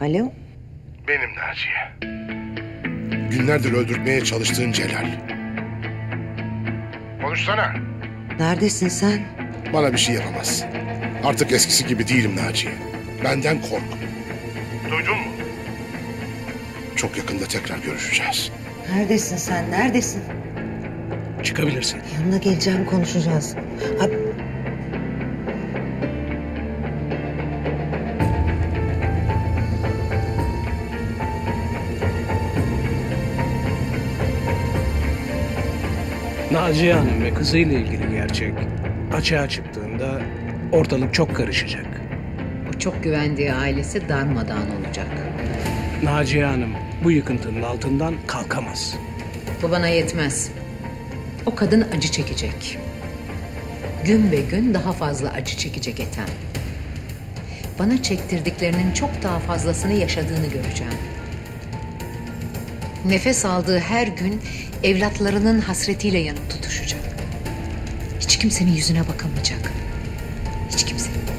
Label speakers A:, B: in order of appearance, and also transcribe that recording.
A: Alo?
B: Benim Naciye. Günlerdir öldürtmeye çalıştığın Celal. Konuşsana.
A: Neredesin sen?
B: Bana bir şey yapamaz. Artık eskisi gibi değilim Naciye. Benden kork. Duydun mu? Çok yakında tekrar görüşeceğiz.
A: Neredesin sen? Neredesin?
C: Çıkabilirsin.
A: Yanına geleceğim, konuşacağız. Ha,
C: Naciye Hanım ve kızıyla ilgili gerçek açığa çıktığında ortalık çok karışacak.
D: O çok güvendiği ailesi darmadağın olacak.
C: Naciye Hanım bu yıkıntının altından kalkamaz.
D: Bu bana yetmez. O kadın acı çekecek. Gün be gün daha fazla acı çekecek Ethem. Bana çektirdiklerinin çok daha fazlasını yaşadığını göreceğim. Nefes aldığı her gün evlatlarının hasretiyle yanıp tutuşacak. Hiç kimsenin yüzüne bakamayacak. Hiç kimsenin.